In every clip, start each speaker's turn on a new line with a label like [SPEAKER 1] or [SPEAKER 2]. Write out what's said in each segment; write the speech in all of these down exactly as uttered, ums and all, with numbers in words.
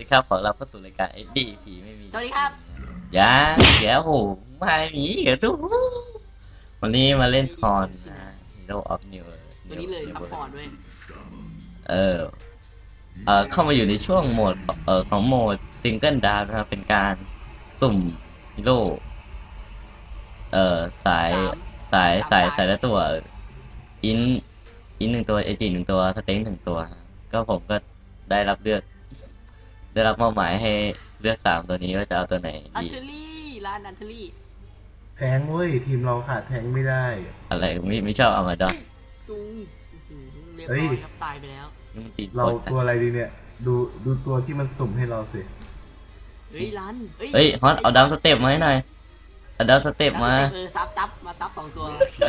[SPEAKER 1] ครับขอรับเข้าสู่รายการเอ็ดดี้ผีไม่มี
[SPEAKER 2] สวัสดีครับ
[SPEAKER 1] ยาเดี๋ยวโหมาหนีเดี๋ยวทุกวันนี้มาเล่นพรนะ Hero of New
[SPEAKER 2] วันนี้เลยซัพพอร์ตด้วย
[SPEAKER 1] เออเออเข้ามาอยู่ในช่วงโหมดเออของโหมดซิงเกิลดาวนะครับเป็นการสุ่มฮีโร่เออสายสายสายสายละตัวอินอินหนึ่งตัวเอจิหนึ่งตัวสเต็งหนึ่งตัวก็ผมก็ได้รับเลือกได้รับมอบหมายให้เลือกสามตัวนี้ว่าจะเอาตัวไหน
[SPEAKER 2] อัน
[SPEAKER 1] ดี
[SPEAKER 2] เทอรี่ร้านอันเทอรี่
[SPEAKER 3] แทงเว้ยทีมเราขาดแทงไม่ได้
[SPEAKER 1] อะไรไม่ไม่ชอบเอามาดอน
[SPEAKER 2] จุงเรียบร้อยครับตายไปแล้ว
[SPEAKER 3] เราตัวอะไรดีเนี่ยดูดูตัวที่มันสุ่มให้เราสิ
[SPEAKER 2] เฮ้ยร้าน
[SPEAKER 1] เฮ้ยฮอตเอาดาวสเต็ปมาให้หน่อยเอาดาวสเต็ปมา
[SPEAKER 2] เออซับซับมาซับสองตัว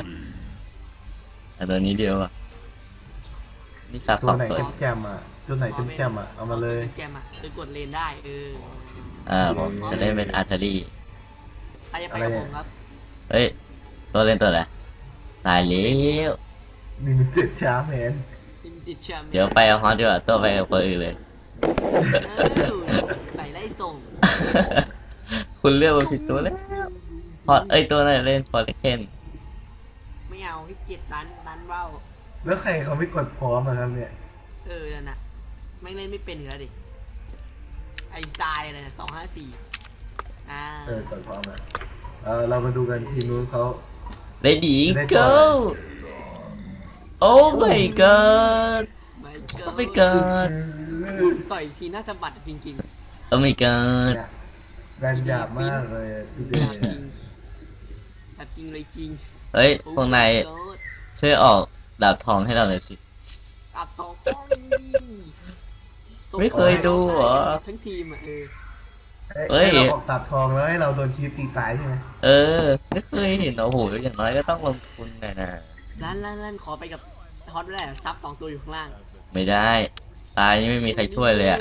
[SPEAKER 1] เอาตัวนี้เดียวอ่ะนี่ซับสองตัว
[SPEAKER 3] ตัวไหนแจมอ่ะตัวไหนแจมอ่ะเอามาเลย
[SPEAKER 2] แจมอ่ะคือกดเลนได้เออ
[SPEAKER 1] อ่าผมจะเล่นเป็นอาร์เทอรี่
[SPEAKER 2] ใครจะไปกับผมครับ
[SPEAKER 1] เฮ้ยตัวเล่นตัวอะไรตายแล้ว
[SPEAKER 3] นี่มันเจ็ดช้าแมน
[SPEAKER 1] เดี๋ยวไปเอาฮอตดีกว่าตัวไปกับคนอื่นเลย
[SPEAKER 2] ใส่ไล่ส่ง
[SPEAKER 1] คุณเลือกมาผิดตัวแล้วฮอตเอ้ยตัวไหนเล่นฟอร์เรเคน
[SPEAKER 2] ไม่เอาให้เจ็ดดันดันเบ้า
[SPEAKER 3] แล้วใครเขาไม่กดพร้อมมาครับเนี่ย
[SPEAKER 2] เออนั่นน่ะไม่เล่นไม่เป็นอยู่แล้วดิไอ้ทรายอะไรนะสองห้าสี่อ่า
[SPEAKER 3] เออกดพร้อมนะเออเรามาดูกันทีมนู้นเขา
[SPEAKER 1] ได้ดีเกิลโอ้ไม่เกินไม่เกิน
[SPEAKER 2] ต่อยทีน่าสะบัดจริง
[SPEAKER 1] ๆเออไม่เกิน
[SPEAKER 3] แรงหยาบมากเลยทีเดียว
[SPEAKER 2] แบบจริงเลยจริง
[SPEAKER 1] เฮ้ยพวกนายช่วยออกดาบทองให้เราหน่อยสิ
[SPEAKER 2] ดาบทอง
[SPEAKER 1] ไม่เคยดูเหรอ
[SPEAKER 2] ทั้งทีมอ่ะเออ
[SPEAKER 3] เฮ้ยเราออกดาบทองแล้วให้เราโดนคีบตีตายใช่ไหม
[SPEAKER 1] เออไม่เคยเห็นโอ้โหอย่างน้อยก็ต้องลงทุนหน่อยนะ
[SPEAKER 2] ร้านร้านร้านขอไปกับฮอตได้ซับสองตัวอยู่ข้างล่าง
[SPEAKER 1] ไม่ได้ตายนี่ไม่มีใครช่วยเลยอ่ะ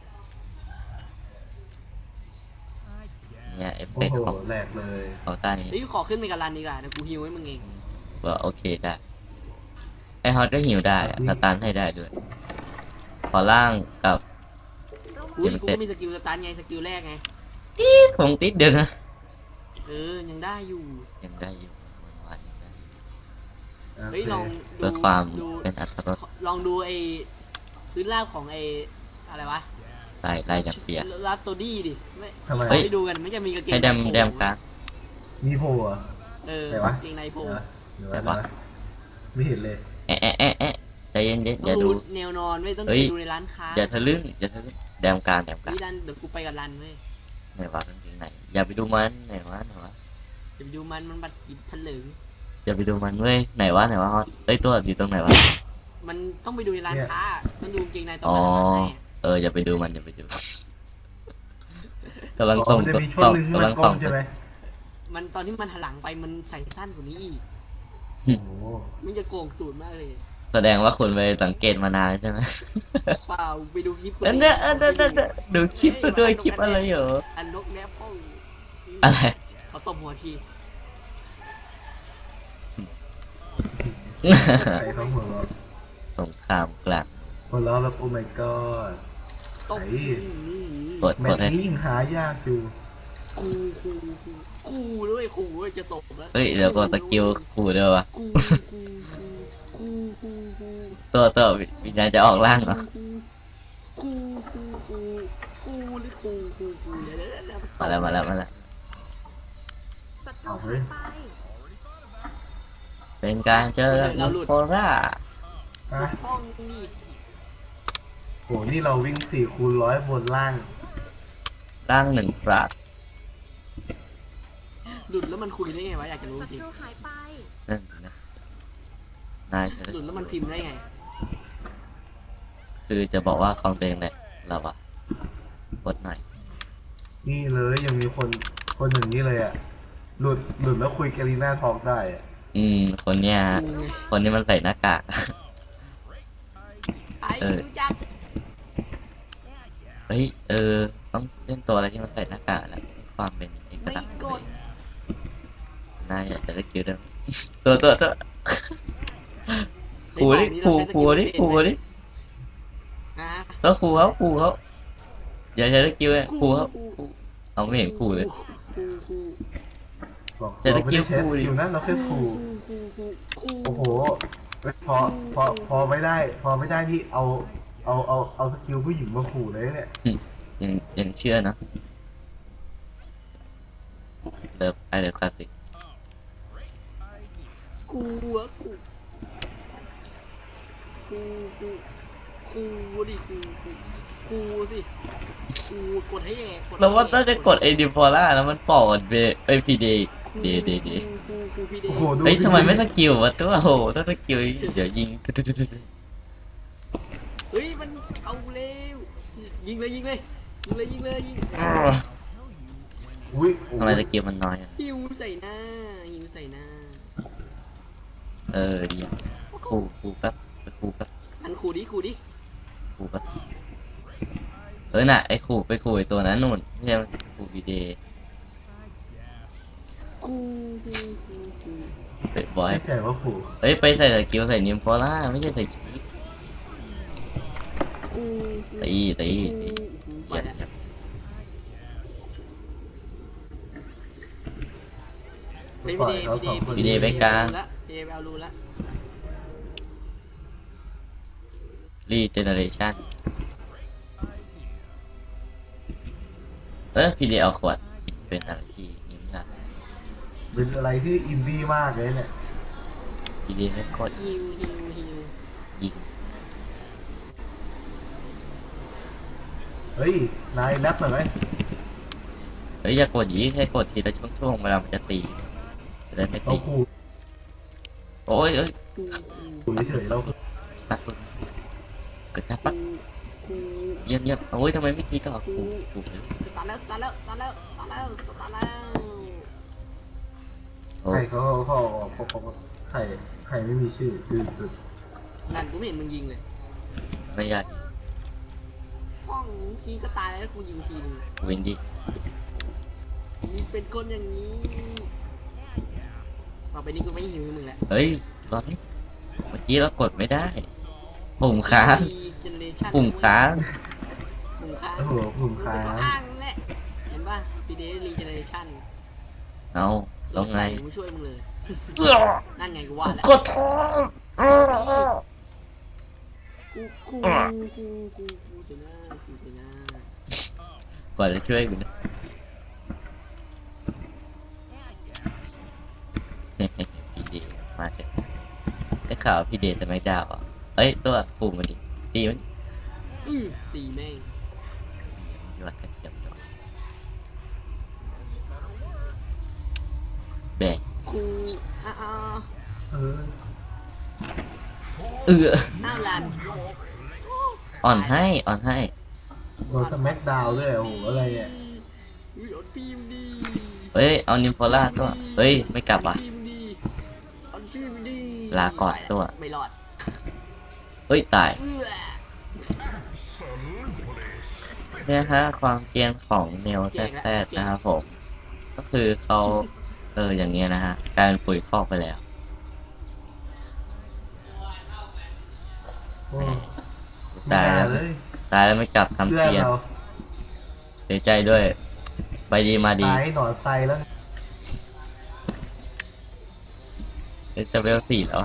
[SPEAKER 1] เนี่ยเอฟเฟกต์ของ
[SPEAKER 3] แหลกเลย
[SPEAKER 1] ของตานี้
[SPEAKER 2] นี่ขอขึ้นไปกับรันดีกว่านะกูฮิวให้มึงเอง
[SPEAKER 1] ว่าโอเคได้ไอฮอตก็ฮิวได้สตาร์ทให้ได้ด้วยขอล่างกับ
[SPEAKER 2] อุ้ยกูมีสกิลสตาร์ทไงสกิลแรกไง
[SPEAKER 1] อีผมติดเดือนะ
[SPEAKER 2] เออยังได้อยู่
[SPEAKER 1] ยังได้อยู่วันยังได้
[SPEAKER 2] เฮ้ยลอง
[SPEAKER 1] เพื่อความเป็นอัตรรส
[SPEAKER 2] ลองดูไอ้พื้นราบของไอ้อะไรวะ
[SPEAKER 1] ลายลายดับเปีย
[SPEAKER 2] รับโซดี้ดิไม่
[SPEAKER 3] ทำไม
[SPEAKER 2] ให้ดูกันไม่จะมีกางเกง
[SPEAKER 1] ให้ดำแดมกลาง
[SPEAKER 3] มีโผล่
[SPEAKER 2] เออเกงในโผล่
[SPEAKER 3] ไม่เห็นเลย
[SPEAKER 1] แอะแอะแอะแอะใจเย็นเย็นอย่าดู
[SPEAKER 2] แนวนอนไม่ต้องดูในร้านค้า
[SPEAKER 1] อย่าทะลึ่งอย่าทะลึ่งแดมกลางแดมกลาง
[SPEAKER 2] นี่รันเดี๋ยวกูไปกับรันเว้ย
[SPEAKER 1] ไหนวะกางเกงไหนอย่าไปดูมันไหนวะไหนวะ
[SPEAKER 2] อย่าไปดูมันมันบัดสีทะลึ่ง
[SPEAKER 1] อย่าไปดูมันเว้ยไหนวะไหนวะฮอตเอ้ยตัวอยู่ตรงไหนวะ
[SPEAKER 2] มันต้องไปดูในร้านค้ามันดูเกงในตรง
[SPEAKER 1] นั้นเอออย่าไปดูมันอย่าไปดูกำลังส่งกำลังส่ง
[SPEAKER 3] ใช่ไหม
[SPEAKER 2] มันตอนที่มันหันหลังไปมันใส่สั้นกว่านี้อีกมันจะโกงตูดมากเลย
[SPEAKER 1] แสดงว่าคุณไปสังเกตมานานใช่ไหม
[SPEAKER 2] เปล่าไปดูคลิป
[SPEAKER 1] นั่นเนี่ยดูคลิปด้วยคลิปอะไรเหรอ
[SPEAKER 2] อันลกแนบป้อง
[SPEAKER 1] อะไร
[SPEAKER 2] เขาตบหัวที
[SPEAKER 3] ใครเขาหัวเราะ
[SPEAKER 1] สงครามกลาง
[SPEAKER 3] หัวเราะแบบโอ้ my god
[SPEAKER 2] ตบ
[SPEAKER 1] กด
[SPEAKER 3] แมตช์นี้หายากอยู่
[SPEAKER 2] กูกูกูด้วยกูจะตบแล้ว
[SPEAKER 1] เฮ้ยเดี๋ยวกดสกิลกูด้วยวะ
[SPEAKER 2] กูกูกูกูกู
[SPEAKER 1] ตัวตัววิญญาณจะออกล่างเหรอ
[SPEAKER 2] กูกูกูกูหรือกูกูกู
[SPEAKER 1] มาแล้วมาแล้วมาแล้วเป็นการเจอโครา
[SPEAKER 2] ห้องนี่
[SPEAKER 3] โหนี่เราวิ่งสี่คูณร้อยบนล่าง
[SPEAKER 1] ล่างหนึ่งปราด
[SPEAKER 2] หลุดแล้วมันคุยได้ไงวะอยากจะรู้จริง
[SPEAKER 1] นั่นนะนาย
[SPEAKER 2] หลุดแล้วมันพิมพ์ได้ไง
[SPEAKER 1] คือจะบอกว่าคอมเพลงแหละเราอะกดหน่อย
[SPEAKER 3] นี่เลยยังมีคนคนอย่างนี้เลยอะหลุดหลุดแล้วคุยกาลีน่าทอกได้อะ
[SPEAKER 1] อืมคนเนี้ยคนนี้มันใส่หน้ากาก
[SPEAKER 2] เออ
[SPEAKER 1] เฮ้ยเออต้องเล่นตัวอะไรที่มันใส่หน้ากากแล้วความเป็นเอกลักษณ์เลยนายอยากจะได้คิวด้วยตัวตัวตัวขู่ดิขู่ขู่ดิขู่ดิแล้วขู่เขาขู่เขาอย่าใช้สกิลเลยครูครับครูเอาไม่เห็นครูเลย
[SPEAKER 2] ครูครู
[SPEAKER 3] บอก
[SPEAKER 1] แต่
[SPEAKER 3] เรา
[SPEAKER 1] ตะ
[SPEAKER 3] ไม่
[SPEAKER 1] กี้
[SPEAKER 3] ได้ใช้
[SPEAKER 1] ครู
[SPEAKER 3] ส
[SPEAKER 1] ดิ
[SPEAKER 3] กิลนั้นเราแค่ถูก
[SPEAKER 2] ครูครูครู
[SPEAKER 3] โอ้โหเฮ้ยพอพอพอไม่ได้ พอไม่ได้ที่เอาเอาเอาเอาสกิลผู้หญิงมาขู่เลยเนี่ย
[SPEAKER 1] ยังยังเชื่อนะเลิฟไอเลิฟคลาสสิก
[SPEAKER 2] ครูอะครูครูครูครูดิครูครูครูสิครูกดให้แย่กดให้
[SPEAKER 1] เราว่า
[SPEAKER 2] แย่
[SPEAKER 1] น่าจะกดไอดิฟอร่าแล้วมันปอดเบไอพีเดเดเดเด
[SPEAKER 2] ครูครูพี่เด
[SPEAKER 3] โอ้โหดู
[SPEAKER 1] เฮ้ย
[SPEAKER 3] ดิ
[SPEAKER 1] ทำไมไม่สกิลวะตัวโหต้องสกิลเดี๋ยวยิง
[SPEAKER 2] เฮ้ยมันเอาเร็วยิงเลยยิงเลยยิงเลยยิงเลยยิง
[SPEAKER 3] อุ้ยโอ้
[SPEAKER 1] ทำไม
[SPEAKER 3] ย
[SPEAKER 1] สกิลมันน้อยอะ
[SPEAKER 2] หิวใส่หน้าหิวใส่หน้า
[SPEAKER 1] เออดีครูครูแป๊บครูแป๊บ
[SPEAKER 2] อันครูดิครูดิ
[SPEAKER 1] ครูแป๊บเออน่ะไอครูไปครูไอตัวนั้นนู่นไม่ใช่ครูพีเด
[SPEAKER 2] ครูครูครูครู
[SPEAKER 1] ไปบอย
[SPEAKER 3] ไม่ใจว่าขู่
[SPEAKER 1] เฮ้ยไปใส่สกิลใส่นิมฟอร่าไม่ใช่ใส่คี
[SPEAKER 2] ครู
[SPEAKER 1] ตีตีตี
[SPEAKER 2] ไป
[SPEAKER 1] เหี้ย
[SPEAKER 2] แล้วไป
[SPEAKER 3] ปล่อย
[SPEAKER 2] พี่
[SPEAKER 3] เขา
[SPEAKER 2] เด
[SPEAKER 3] สองคน
[SPEAKER 1] พีเดไปกลาง
[SPEAKER 2] ละพี่เดไปเอารูละ
[SPEAKER 1] รีเจเนเรชั่นเออพีเดเอาขวดเป็นอะไรที่นิ่มละ
[SPEAKER 3] เป็นอะไรที่อินดี้มากเลยเนี่ย
[SPEAKER 1] พีเดไม่กด
[SPEAKER 2] ฮิวฮิวฮิว
[SPEAKER 1] ยิง
[SPEAKER 3] เฮ้ย นายแรปหน่อยไหม
[SPEAKER 1] เฮ้ยอย่ากดยีแค่กดทีละช่วงๆเวลามันจะตีจะได้ไม่
[SPEAKER 3] เรา
[SPEAKER 1] ตี
[SPEAKER 3] ขู่
[SPEAKER 1] โอ้ยเอ้ย
[SPEAKER 2] ครูครู
[SPEAKER 3] ขู่เฉยๆเรา
[SPEAKER 1] ปัดเกิดการปัด
[SPEAKER 2] ครู
[SPEAKER 1] เยี่ยมเยี่ยมโอ้ยทำไมไม่ตีต่อกูกูเลย
[SPEAKER 2] สตาร์ทแล้วสตาร์ทแล้วสตาร์ทแล้วสตาร์ทแล้วสตาร์ทแล้ว
[SPEAKER 1] โอ้
[SPEAKER 3] ใครเขาเขาเขาเขาเขาใครใครไม่มีชื่อคือจุด
[SPEAKER 2] นั่นกูไม่เห็นมึงยิงเลย
[SPEAKER 1] ไม่ยาก
[SPEAKER 2] ห้องกี้ก็ตายแล้วกูยิงทีนึง
[SPEAKER 1] วินดี้
[SPEAKER 2] มึงเป็นคนอย่างนี้ต่อไปนี้กูไม่หิวมึงแหละ
[SPEAKER 1] เฮ้ยรอนี่เมื่อกี้เรากดไม่ได้ปุ่มค้าง
[SPEAKER 2] เจเนเรชั่น
[SPEAKER 1] ปุ่มค้าง
[SPEAKER 2] ปุ่มค้าง
[SPEAKER 3] โอ้โหผมค้า
[SPEAKER 2] ก็
[SPEAKER 3] ง
[SPEAKER 2] อ้างแหละเห็นป่ะพีเดรีเจเนเรชั่น
[SPEAKER 1] เอาแล้วไง
[SPEAKER 2] กูช่วยมึงเลย
[SPEAKER 1] เอื้อ
[SPEAKER 2] นั่นไงกูว่าแล้ว
[SPEAKER 1] กดท้อง
[SPEAKER 2] กูกูกูกูกูเจน่ากูเจน่าก
[SPEAKER 1] ว่าจะช่วยกูนะพี่เดมาเถอะได้ข่าวพี่เดจะไม่ดาวอ่ะเอ้ยตัวปุ่มมันดิตีมัน
[SPEAKER 2] อื้อตีแม่ง
[SPEAKER 1] ยอดกระเทียมดอกแบก
[SPEAKER 2] กูอ้าว
[SPEAKER 3] เออ
[SPEAKER 1] เอื้อ
[SPEAKER 2] อ้าวลัน
[SPEAKER 1] อ่อนให้อ่อนให้
[SPEAKER 3] โดนสแม็กดาวน์ด้วยโอ้โหอะไรเนี่ย
[SPEAKER 2] อุ้ยอดฟิล์มดี
[SPEAKER 1] เฮ้ยเอานิมโฟล่าตัวเฮ้ยไม่กลับอ่ะ
[SPEAKER 2] อดฟิล์มดีอดฟิล์มดี
[SPEAKER 1] ลาก่อนตัว
[SPEAKER 2] ไม่รอด
[SPEAKER 1] เฮ้ยตาย
[SPEAKER 2] เอื้อ
[SPEAKER 1] เนี่ยฮะความเกรียนของเนวแท้ๆนะครับผม ก็คือเขาเอออย่างเงี้ยนะฮะกลายเป็นปุ๋ยคอกไปแล้ว
[SPEAKER 3] โอ้
[SPEAKER 1] ตายแล้ว
[SPEAKER 3] ไม่น่เลย
[SPEAKER 1] ตายแล้วไม่กลับทำ
[SPEAKER 3] เพื่อน
[SPEAKER 1] เทียน
[SPEAKER 3] เรา
[SPEAKER 1] เสียใจด้วย ไปดีมาดี
[SPEAKER 3] ตายหนอนไซแล้ว
[SPEAKER 1] เดี๋ยวจะเวลสี่แล้วอะ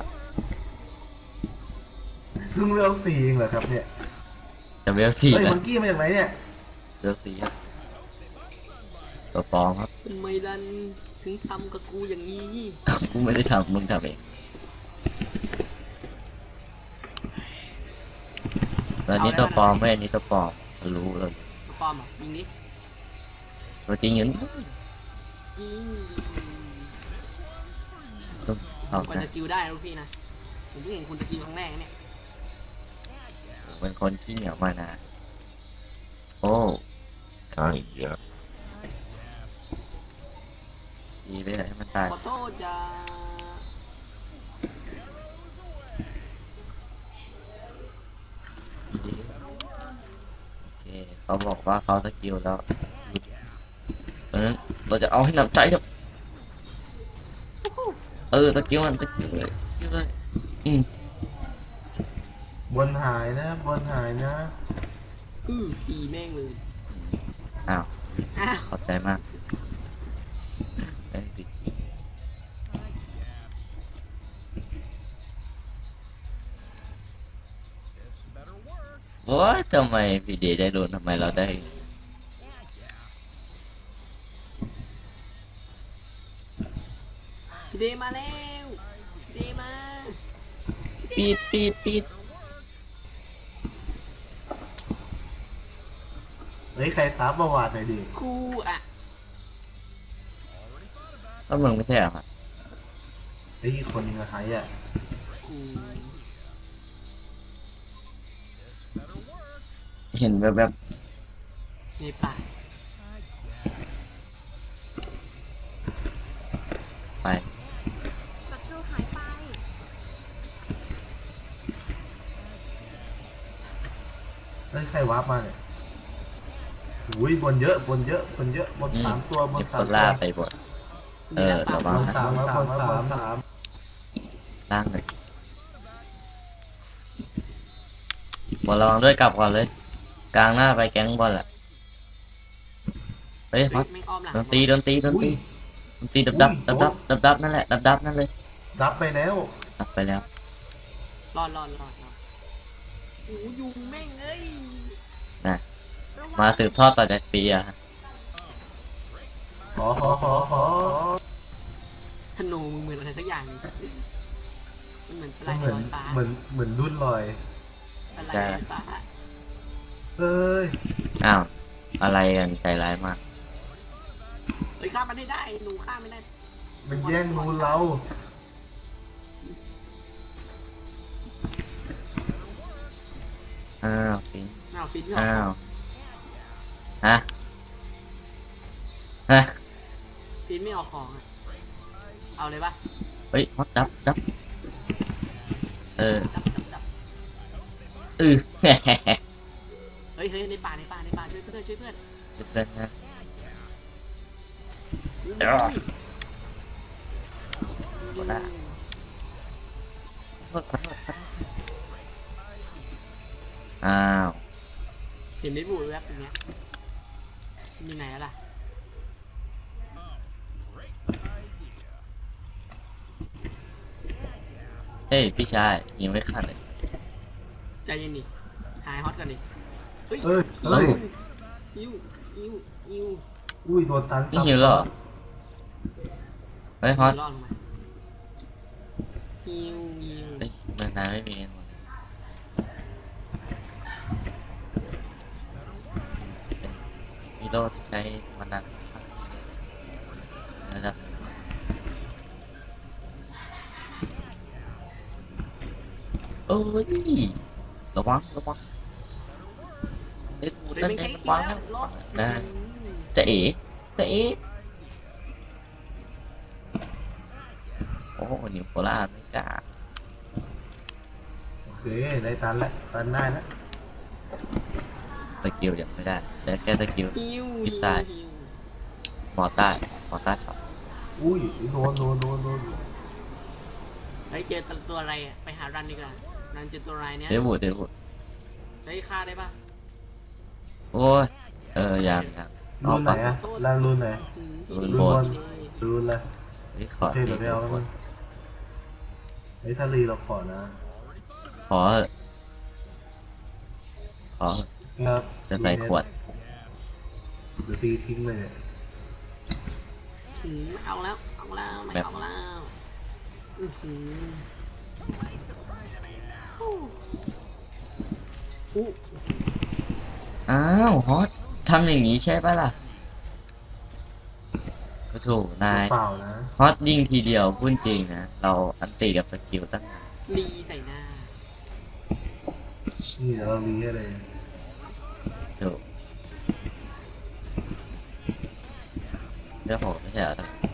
[SPEAKER 3] เพิ่งเลือกสี่เองเหรอครับเนี่ย
[SPEAKER 1] จะเวลสี่
[SPEAKER 3] เฮ้ย
[SPEAKER 1] แล้ว
[SPEAKER 3] มังกี้มาจากไหนเนี่ย
[SPEAKER 1] เวลสี่ครับตัวปลอมครับ
[SPEAKER 2] ทำไมลันถึงทำกับกูอย่างนี้
[SPEAKER 1] กูไม่ได้ทำมึงทำเองแล้วนี้ตัวปลอมไม่อันนี้ตัวปลอมรู้เลย
[SPEAKER 2] ปลอมเหรอ่ะยิงดิ
[SPEAKER 1] ตัวจริงอยู่นี่
[SPEAKER 2] ยิง
[SPEAKER 1] เอา
[SPEAKER 2] กว่า
[SPEAKER 1] นะ
[SPEAKER 2] จะกิลได้นะลูกพี่นะผมเพิ่งเห็นคุณจะกิลครั้งแรกนะเนี่ย
[SPEAKER 1] ผมเป็นคนขี้เหนียวมานะโอ้
[SPEAKER 4] Aia.
[SPEAKER 1] ดีเลยให้มันตาย
[SPEAKER 2] ขอโทษจ้า
[SPEAKER 1] ดีโอเคเขาบอกว่าเขาสกิลแล้วเพราะฉะนั้นเราจะเอาให้หนำใจครับเออสกิลมันสกิลเลยสกิลเลยอืม
[SPEAKER 3] บนหายนะ บนหายนะ
[SPEAKER 2] อือตีแม่งเลย
[SPEAKER 1] ออ้าว
[SPEAKER 2] อ้าว
[SPEAKER 1] ขอบใจมากเอ้ยติดโอ้ยทำไมพี่เดย์ได้โดนทำไมเราได้
[SPEAKER 2] พี่เดมาแล้วพี่เดมา
[SPEAKER 1] ปีดปีดปีด
[SPEAKER 3] เฮ้ยใครซับประวัติหน่อยดิ
[SPEAKER 2] กูอ่ะ
[SPEAKER 1] ก็มึงไม่ใช่เหรอครับ
[SPEAKER 3] ไอ้ยคนนึงอะหายอ่ะ
[SPEAKER 2] กู
[SPEAKER 1] เห็นแบบแบบ
[SPEAKER 2] ในป่า
[SPEAKER 1] ไป
[SPEAKER 5] ศัตรูหายไป
[SPEAKER 3] เฮ้ยใครวาร์ปมาเนี่ยอุ้ยบนเยอะบนเยอะบนเยอะบน
[SPEAKER 1] อืม
[SPEAKER 3] สามตัวบน
[SPEAKER 1] เก็บ
[SPEAKER 3] สา
[SPEAKER 1] ค
[SPEAKER 3] ม
[SPEAKER 1] น
[SPEAKER 3] ตัว
[SPEAKER 1] ล่าไปหมด เออ
[SPEAKER 2] มี
[SPEAKER 1] ระวั
[SPEAKER 3] บ
[SPEAKER 1] ง
[SPEAKER 3] นสามบนสามบนสามสาม
[SPEAKER 1] ล่างเลยบอลระวังด้วยกลับก่อนเลย กลางหน้าไปแก๊งบอลแหละเฮ้ย
[SPEAKER 2] เฮ้ย
[SPEAKER 1] ฮอต
[SPEAKER 2] ไม่อ้อมหลัง
[SPEAKER 1] โดนตีโดนตีโดนตีโดนตีดับดับดับดับดับดับนั่นแหละดับดับนั่นเลย
[SPEAKER 3] รับไปแล้ว
[SPEAKER 1] ดับไปแล้ว
[SPEAKER 2] รอดรอดรอดรอดโอ้ยุงแม่งเอ้ย
[SPEAKER 1] นะ มาสืบทอดต่อจากปีอะ
[SPEAKER 3] ขอขอขอขอ
[SPEAKER 2] ธนูมึงเหมือนอะไรสักอย่างหนึงมันเหมือนสไล
[SPEAKER 3] เห
[SPEAKER 2] ด์
[SPEAKER 3] มือน
[SPEAKER 2] ลอยฟ้า
[SPEAKER 3] เหมือนเหมือนรุ่นลอย
[SPEAKER 2] สไลด์ลอยฟ้า
[SPEAKER 3] เอ้ย
[SPEAKER 1] อ้าวอะไรกันใจร้ายมาก
[SPEAKER 2] เฮ้ยฆ่ามันให้ได้หนูฆ่าไม่ได้
[SPEAKER 3] มันแย่งรูนเรา
[SPEAKER 1] อ้าวฟิน
[SPEAKER 2] อ้าวฟินไม่ออ
[SPEAKER 1] อ้าก ว
[SPEAKER 2] ของ
[SPEAKER 1] ฮะฮะ
[SPEAKER 2] ฟินไม่ออกของอะเอาเลยปะ
[SPEAKER 1] เฮ้ยฮอตดับดับเออ
[SPEAKER 2] ดับดับดับ
[SPEAKER 1] เออ
[SPEAKER 2] เฮ้ยเฮ้ยในป่าในป่าในป่าช่วยเพื่อนช่วยเพื่อน
[SPEAKER 1] จุดเด่นนะ
[SPEAKER 2] อุ้ย
[SPEAKER 1] เดี๋ยว
[SPEAKER 2] ยุง
[SPEAKER 1] ได้ ขอโทษขอโทษขอโทษอ้าว
[SPEAKER 2] เห็นไม่บูดแวบอย่างเงี้ยมีไหนอะล่ะ
[SPEAKER 1] เฮ้ยพี่ชายยิงไม่ขาดเลย
[SPEAKER 2] ใจเย็นดิหายฮอตก่อนดิเฮ้ย
[SPEAKER 3] เอ้ยเอ้ย
[SPEAKER 2] ยิวยิวยิว
[SPEAKER 3] อุ้ยโดนตัน
[SPEAKER 1] นี่
[SPEAKER 3] ซ้ำ
[SPEAKER 1] หิวแล้วเหรอเฮ้ยฮอต
[SPEAKER 2] รอดลงมายิวยิว
[SPEAKER 1] เฮ้ยเมืองนายไม่มีกันหมดเลยมีโล่ที่ใช้มันนันนะครับโอ้ยระวังระวังเด็กกู
[SPEAKER 2] เฮ้ย
[SPEAKER 1] นั่น
[SPEAKER 2] มัน
[SPEAKER 1] เอ
[SPEAKER 2] แค่
[SPEAKER 1] ง
[SPEAKER 2] กิน
[SPEAKER 1] ระวัง
[SPEAKER 2] แล้
[SPEAKER 1] นะ
[SPEAKER 2] วรอด
[SPEAKER 1] นะ
[SPEAKER 2] อืม
[SPEAKER 1] จะเอ๋จะเอ๋โอ้โหนิวโคราชไม่กล้า
[SPEAKER 3] โอเคได้ตันแล้วตันได้แล้ว
[SPEAKER 1] สกิลยังไม่ได้แต่แค่สกิล
[SPEAKER 2] ยิว
[SPEAKER 1] พิ
[SPEAKER 2] ยิ
[SPEAKER 1] ซ
[SPEAKER 2] ว
[SPEAKER 1] ซ่า
[SPEAKER 2] ยิว
[SPEAKER 1] มอต้าหมอต้าช็อต
[SPEAKER 3] อุ้ยโดนโดนโดนโดน
[SPEAKER 2] เฮ้ยเจอตัวอะไรอะไปหารันดีกว่ารันเจอตัวอะไรเนี่ย
[SPEAKER 1] เดวูดเดวูด
[SPEAKER 2] เฮ้ยฆ่าได้ปะ
[SPEAKER 1] โอ้ยเออยังยังอ
[SPEAKER 3] รุ
[SPEAKER 1] อก
[SPEAKER 3] นไหน
[SPEAKER 1] ปะ
[SPEAKER 3] อะรันรุนไหน
[SPEAKER 2] อืม
[SPEAKER 1] รุน
[SPEAKER 3] รุน
[SPEAKER 1] โบบ ด
[SPEAKER 3] นรุนเลย
[SPEAKER 1] เฮ้ยข
[SPEAKER 3] โอ
[SPEAKER 1] อ
[SPEAKER 3] เค
[SPEAKER 1] ที
[SPEAKER 3] เดี๋ยวไปเอาแล้วมึงไอ้ยถ้ารีเราขอนะ
[SPEAKER 1] ขอเถอะขอเถอะ
[SPEAKER 3] ครับ
[SPEAKER 1] จะใส่ขวด
[SPEAKER 3] เดี๋ยวตีทิ้งเลยเนี่ย
[SPEAKER 2] อืมเอาแล้วเอาแล้วไม่เอาแล้วอือหืออู้อู้
[SPEAKER 1] อ้าวฮอตทำอย่างนี้ใช่ปะล่ะก็ถูกนาย
[SPEAKER 3] เปล่านะ
[SPEAKER 1] ฮอตยิงทีเดียวพูดจริงนะ เราอันตีกับสกิลตั้งนาน
[SPEAKER 2] ลีใส่หน้า
[SPEAKER 3] นี่เดี๋ยวเรารีให้เลย
[SPEAKER 1] ถูกเรื่องผมไม่ใช่เหรอ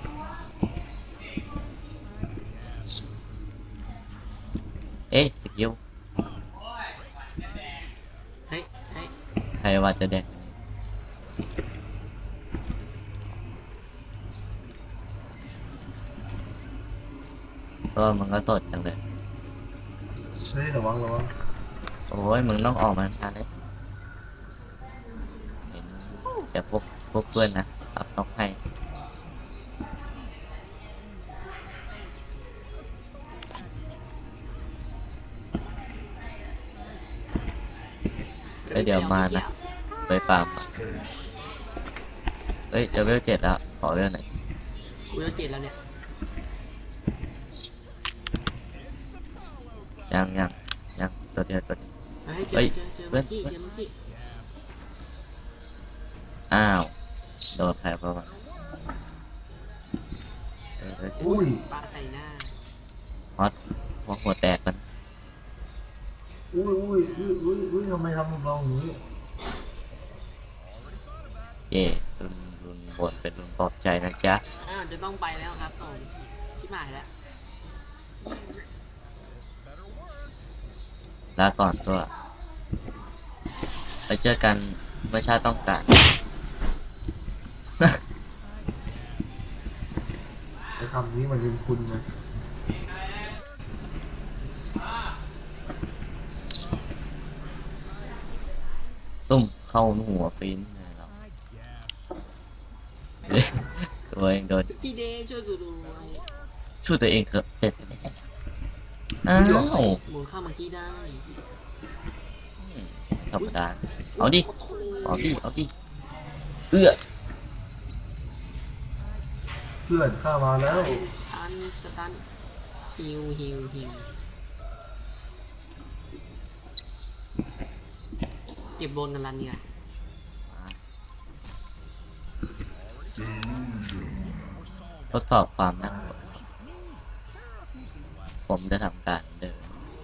[SPEAKER 1] เอ๊ะสกิล
[SPEAKER 2] เฮ้ยเฮ้ย
[SPEAKER 1] ใครว่าจะแดงก็มันก็ตดจังเลย
[SPEAKER 3] เฮ้ยระวังระวัง
[SPEAKER 1] โอ้ยมึงต้องออกมาทันเลยเห็นแต่พวกพวกเพื่อนนะอัพน็อกให้แล้วเดี๋ยวมานะไปฟาร์มอะเฮ้ยจะเวลเจ็ดแล้วขอเวลหน่อย
[SPEAKER 2] กูจะเจ็ดแล้วเนี่ย
[SPEAKER 1] ยังยังยังตัวเดียวตัวเดียว
[SPEAKER 2] เฮ้ยเจ
[SPEAKER 1] เฮ้
[SPEAKER 2] อย เจอเจอ
[SPEAKER 1] เพื่
[SPEAKER 2] เมื่
[SPEAKER 1] อ
[SPEAKER 2] อน กี้เจอเมื่อกี้
[SPEAKER 1] อ้าวโดนแพ้เพราะว่าเออเออ
[SPEAKER 3] อุ้ย
[SPEAKER 2] ปาใส่หน้า
[SPEAKER 1] ฮอตหัวหัวแตกมัน
[SPEAKER 3] อุ้ยอุ้ยอุ้ยอุ้ยอุ้ยทำไมทำกับเราอย่างนี้
[SPEAKER 1] เย่รุนรุนบนเป็นรุนปลอบใจนะจ๊ะ
[SPEAKER 2] อ้าวจะต้องไปแล้วครับผมชิบหายแล้ว
[SPEAKER 1] ลาก่อนตัว ไปเจอกันเมื่อชาติต้องการ
[SPEAKER 3] ไอ้คำนี้มันเป็นคุณไง
[SPEAKER 1] ตุ้มเข้าหัวฟินเลยเราเฮ้ยตัวเองโดน
[SPEAKER 2] พี่เดย์ช่วยกูด้วย
[SPEAKER 1] ช่วยตัวเองเถอะเด็ดอ้าว
[SPEAKER 2] หมุนเข้าเมื่อกี้ได้
[SPEAKER 1] อืมธรรมดาเอาดิเอาดิเอาดิเอื้อ
[SPEAKER 3] เพื่อนข้ามาแล้ว
[SPEAKER 2] สตันสตันฮิวฮิวฮิวเก็บบนกันลันเนี่ย
[SPEAKER 1] ทดสอบความน่ากลัวผมจะทำการเดิน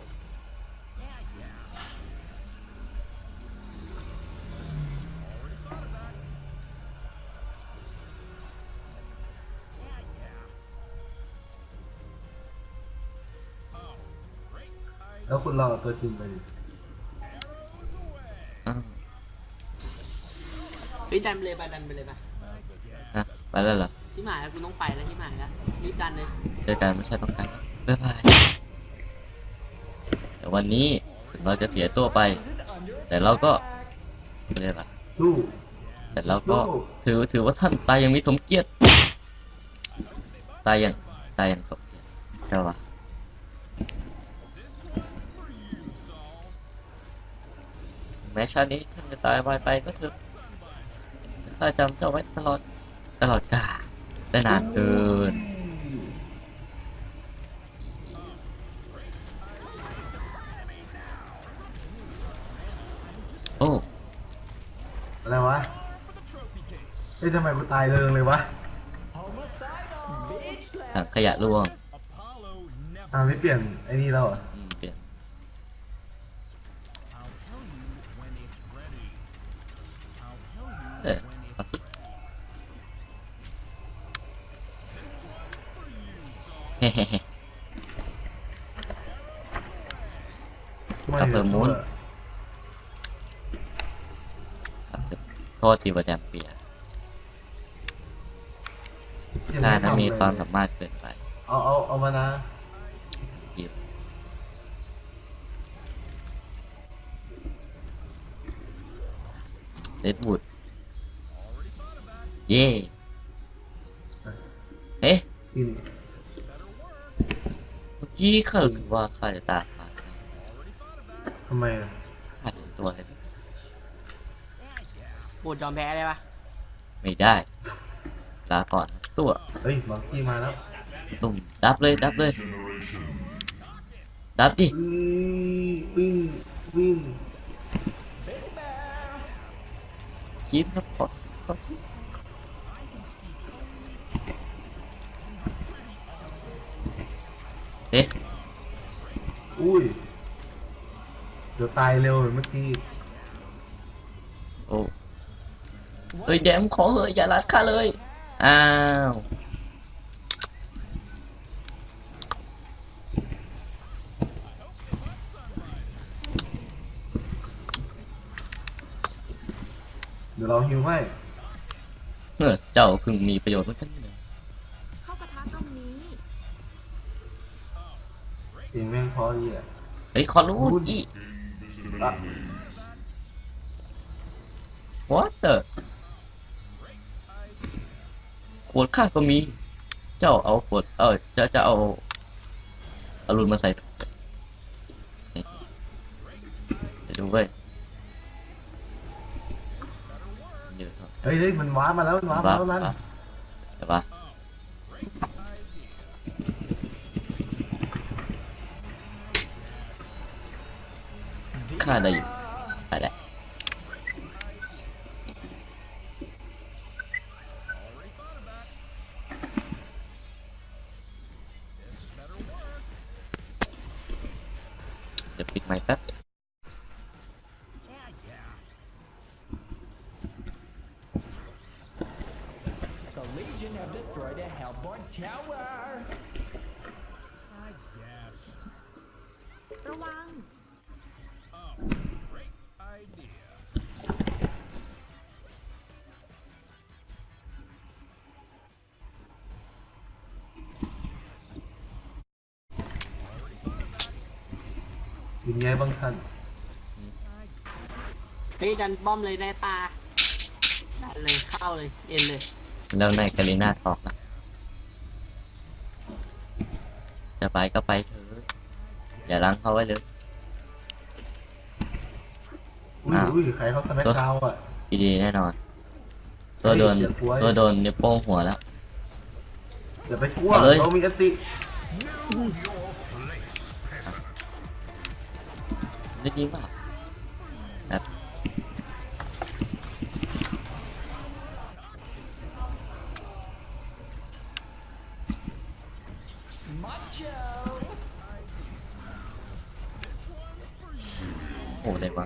[SPEAKER 3] แล้วคุณเราเอาตัวจริงไปดิ
[SPEAKER 1] อ้าว
[SPEAKER 2] เฮ้ยดันไปเลยไปดันไปเลยไป
[SPEAKER 1] ฮะไปแล้วเหรอ
[SPEAKER 2] ชิบหายแล้วกูต้องไปแล้วชิบหายแล้วรีบดันเลย
[SPEAKER 1] เจอกันไม่ใช่ต้องการบ๊ายบายแต่วันนี้ถึงเราจะเสียตัวไป แต่เราก็ไม่ได้ปะ
[SPEAKER 3] สู้
[SPEAKER 1] แต่เราก็ถือถือว่าท่านตายยังมีสมเกียรติตายยังตายยังสมเกียรติใช่ปะแม้ชาตินี้ท่านจะตายไปไปก็เถอะข้าจำเจ้าไว้ตลอดตลอดกาลได้นานเกินโอ้
[SPEAKER 3] อะไรวะเฮ้ยทำไมกูตายเริงเลยวะ
[SPEAKER 1] ถังขยะร่วง
[SPEAKER 3] อ่าไม่เปลี่ยนไอ้นี่แล้วเหรอ
[SPEAKER 1] อืมเปลี่ยนเออเอาสิเฮ้เฮ้เฮ้
[SPEAKER 3] ไม่
[SPEAKER 1] กลับเพิ่มมูล
[SPEAKER 3] เดี๋ยว
[SPEAKER 1] ครับโทษทีว่าแดมเปีย
[SPEAKER 3] ยัง
[SPEAKER 1] นาย
[SPEAKER 3] ไทำ
[SPEAKER 1] นะมี
[SPEAKER 3] เลย
[SPEAKER 1] ความสามารถเกินไป
[SPEAKER 3] เอาเอาเอามานะ
[SPEAKER 1] หยิบเลดวูดเย่เอ๊ะ
[SPEAKER 3] กิน
[SPEAKER 1] เมื่อกี้ข้ารู้สึกว่าข้าจะตาขาด
[SPEAKER 3] ทำไมอะ
[SPEAKER 1] ข้าเห็นตัวเลย
[SPEAKER 2] ปวดยอมแพ้ได้ปะ
[SPEAKER 1] ไม่ได้ลาก่อนนะตัว
[SPEAKER 3] เฮ้ยมังกี้มาแล้ว
[SPEAKER 1] ตุ่มดับเลยดับเลย ดับดิ
[SPEAKER 3] วิ่งวิ่งวิ่ง
[SPEAKER 1] ยิ้มครับขอขอเอ๊ะ
[SPEAKER 3] อุ้ยเดี๋ยวตายเร็วเหมือนเมื่อกี้
[SPEAKER 1] โอ้เอ้ยแดมขอเหอะอย่าลัดข้าเลย อ้าว
[SPEAKER 3] เดี๋ยวเราฮิวให้
[SPEAKER 1] เออเจ้าเพิ่งมีประโยชน์เหมือนกันนี่นะ
[SPEAKER 5] เข้ากระทะตรงนี้
[SPEAKER 3] เสียงแม่งเพอดีอ่ะ
[SPEAKER 1] เฮ้ยขอรู้อี
[SPEAKER 3] อ่ะ
[SPEAKER 1] what the วดข้าก็มี เจ้าเอาขวดเออจะจะเอาอรุณมาใส่ถุงเดี๋ยวดูเว้ยเดี๋ยว
[SPEAKER 3] เฮ้ยเฮ้ยมันว้ามาแล้วมันว้ามาแล้วนั่น
[SPEAKER 1] เดี๋ยวปะข้าได้อยู่ไปแล้วเดี๋ยวปิดไมค์แป๊บ
[SPEAKER 6] The Legion have destroyed a Hellborn tower.
[SPEAKER 5] ระวัง
[SPEAKER 3] เป็นไงบ้างท่าน
[SPEAKER 2] เฮ้ยดันป้อมเลยได้ปลาดันเลยเข้าเลยเอ็นเลย
[SPEAKER 1] แล้วในกาลิน่าทอกนะจะไปก็ไปเถอะอย่าล้างเขาไว้เลย
[SPEAKER 3] อุ้ย
[SPEAKER 1] อ้าว
[SPEAKER 3] อุ้ยใครเขาสแน็คดาวน์อ่ะ
[SPEAKER 1] ดีๆแน่นอน ตัวโดน
[SPEAKER 3] เฮ้ยอย่ากลัว
[SPEAKER 1] ตัวโดนนิ้วโป้งหัวแล้ว
[SPEAKER 3] อย่าไปกลัว
[SPEAKER 1] เอาเลย
[SPEAKER 3] เรามีอติ
[SPEAKER 1] ได้ดีป่ะแบบ
[SPEAKER 6] Macho.
[SPEAKER 1] โอ้ได้บ้าง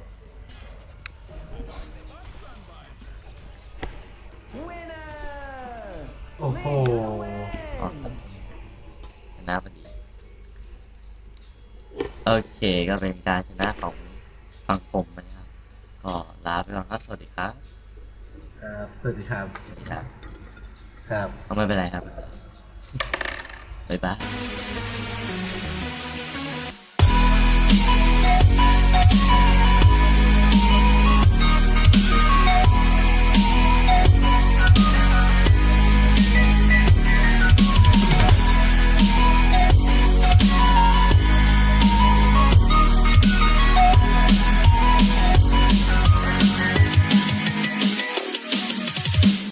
[SPEAKER 6] Winner.
[SPEAKER 3] โอ้โห
[SPEAKER 1] อ๋อชนะพอดี โอเคก็เป็นการชนะของฝั่งผมนะครับ ก็ลาไปก่อนครับ สวัสดีครับ
[SPEAKER 3] ครับสวัสดีครับ
[SPEAKER 1] สวัสดีครับ
[SPEAKER 3] ครับ
[SPEAKER 1] เอาไม่เป็นไรครับ บ๊ายบาย